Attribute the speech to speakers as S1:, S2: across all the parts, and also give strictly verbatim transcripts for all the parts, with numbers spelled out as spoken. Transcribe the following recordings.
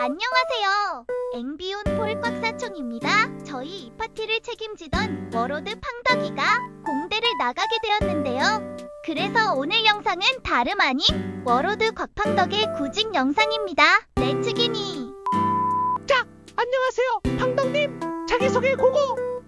S1: 안녕하세요. 앵비온 폴꽉사촌입니다. 저희 이 파티를 책임지던 워로드 팡덕이가 공대를 나가게 되었는데요. 그래서 오늘 영상은 다름 아닌 워로드 곽팡덕의 구직 영상입니다. 렛츠기니.
S2: 자, 안녕하세요. 팡덕님, 자기소개 고고!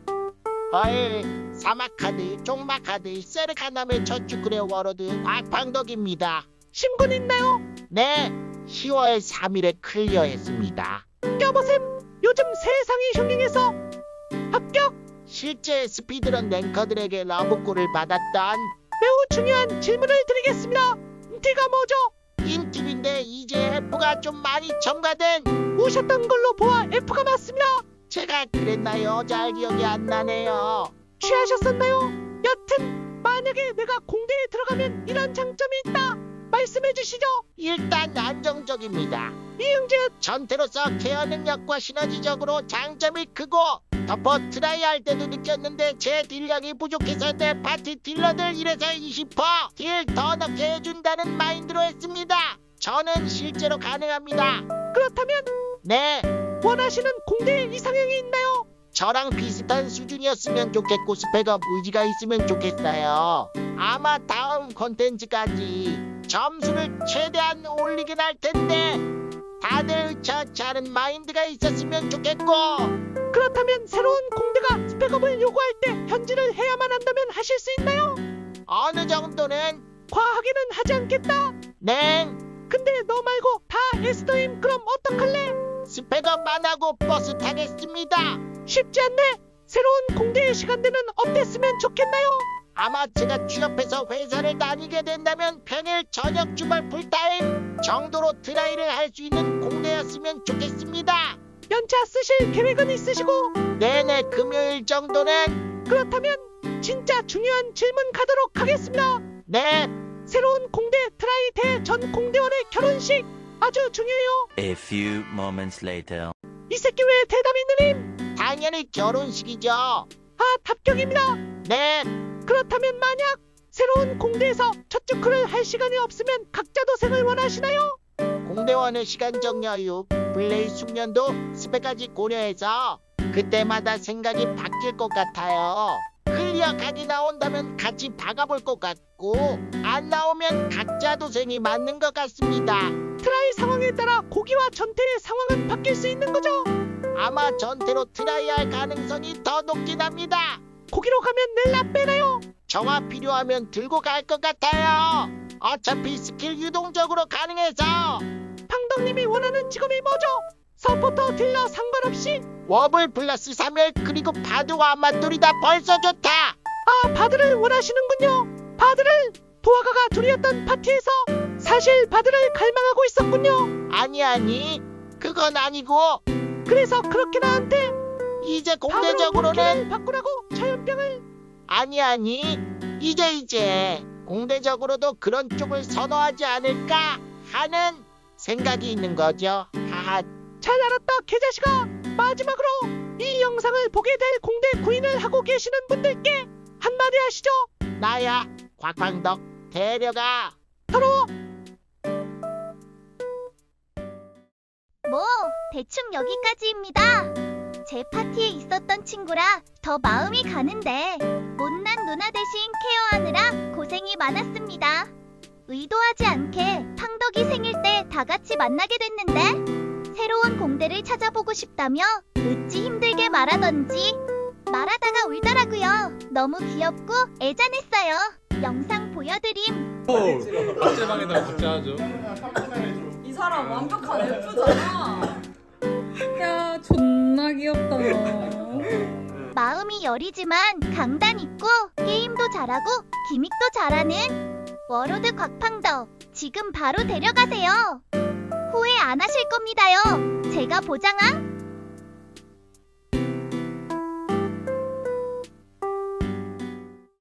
S3: 헐, 사막카드, 종마카드, 세르카남의 저축그레 워로드 곽팡덕입니다.
S2: 신분 있나요?
S3: 네, 시월 삼일에 클리어했습니다.
S2: 껴보셈, 요즘 세상이 흉흉해서 합격!
S3: 실제 스피드런 랭커들에게 러브콜을 받았던
S2: 매우 중요한 질문을 드리겠습니다. D가 뭐죠?
S3: 인팁인데 이제 F가 좀 많이 첨가된.
S2: 오셨던 걸로 보아 F가 맞습니다.
S3: 제가 그랬나요? 잘 기억이 안 나네요.
S2: 취하셨었나요? 여튼 만약에 내가 공대에 들어가면 이런 장점이 있다 말씀해 주시죠.
S3: 일단 안정적입니다.
S2: 이응재읒.
S3: 전태로서 케어 능력과 시너지적으로 장점이 크고, 덮어 트라이 할 때도 느꼈는데 제 딜량이 부족해서 내 파티 딜러들 일에서 이십 퍼센트 딜 더 넣게 해준다는 마인드로 했습니다. 저는 실제로 가능합니다.
S2: 그렇다면
S3: 네,
S2: 원하시는 공대 이상형이 있나요?
S3: 저랑 비슷한 수준이었으면 좋겠고 스펙업 의지가 있으면 좋겠어요. 아마 다음 콘텐츠까지 점수를 최대한 올리긴 할 텐데 다들 저처럼 마인드가 있었으면 좋겠고.
S2: 그렇다면 새로운 공대가 스펙업을 요구할 때 현질을 해야만 한다면 하실 수 있나요?
S3: 어느 정도는.
S2: 과하게는 하지 않겠다.
S3: 네,
S2: 근데 너 말고 다 에스더임. 그럼 어떡할래?
S3: 스펙업만 하고 버스 타겠습니다.
S2: 쉽지 않네. 새로운 공대의 시간대는 어땠으면 좋겠나요?
S3: 아마 제가 취업해서 회사를 다니게 된다면 평일 저녁 주말 풀타임 정도로 트라이를 할 수 있는 공대였으면 좋겠습니다.
S2: 연차 쓰실 계획은 있으시고?
S3: 네네, 금요일 정도는.
S2: 그렇다면 진짜 중요한 질문 가도록 하겠습니다.
S3: 네,
S2: 새로운 공대 트라이 대 전 공대원의 결혼식 아주 중요해요.
S4: A few moments later.
S2: 이 새끼 왜 대답이 느림?
S3: 당연히 결혼식이죠.
S2: 아, 합격입니다.
S3: 네,
S2: 그렇다면 만약 새로운 공대에서 첫 주크를 할 시간이 없으면 각자 도생을 원하시나요?
S3: 공대원의 시간적 여유, 플레이 숙련도, 스펙까지 고려해서 그때마다 생각이 바뀔 것 같아요. 클리어 각이 나온다면 같이 박아볼 것 같고, 안 나오면 각자 도생이 맞는 것 같습니다.
S2: 트라이 상황에 따라 고기와 전태의 상황은 바뀔 수 있는 거죠?
S3: 아마 전태로 트라이할 가능성이 더 높긴 합니다.
S2: 고기로 가면 넬라 빼나요?
S3: 정화 필요하면 들고 갈 것 같아요. 어차피 스킬 유동적으로 가능해서.
S2: 팡덕님이 원하는 직업이 뭐죠? 서포터 딜러 상관없이?
S3: 워블 플러스 삼열 그리고 바드와 맞돌이 다 벌써 좋다.
S2: 아, 바드를 원하시는군요. 바드를 도화가가 둘이었던 파티에서 사실 바드를 갈망하고 있었군요.
S3: 아니 아니, 그건 아니고
S2: 그래서 그렇게 나한테
S3: 이제
S2: 바드로
S3: 공대적으로는.
S2: 본캐를 바꾸라고 처연병을.
S3: 아니 아니, 이제 이제 공대적으로도 그런 쪽을 선호하지 않을까 하는 생각이 있는 거죠. 하하.
S2: 잘 알았다 개자식아. 마지막으로 이 영상을 보게 될 공대 구인을 하고 계시는 분들께 한마디 하시죠.
S3: 나야 곽광덕 데려가.
S2: 더러워.
S1: 뭐 대충 여기까지입니다. 제 파티에 있었던 친구라 더 마음이 가는데 못난 누나 대신 케어하느라 고생이 많았습니다. 의도하지 않게 팡덕이 생일 때 다 같이 만나게 됐는데 새로운 공대를 찾아보고 싶다며 어찌 힘들게 말하던지 말하다가 울더라고요. 너무 귀엽고 애잔했어요. 영상 보여드림.
S5: 박제방에다가 박제하죠.
S6: 이 사람 완벽한 F잖아.
S7: 야, 존나 귀엽다 너.
S1: 마음이 여리지만 강단 있고 게임도 잘하고 기믹도 잘하는 워로드 곽팡덕 지금 바로 데려가세요. 후회 안 하실 겁니다요. 제가 보장함.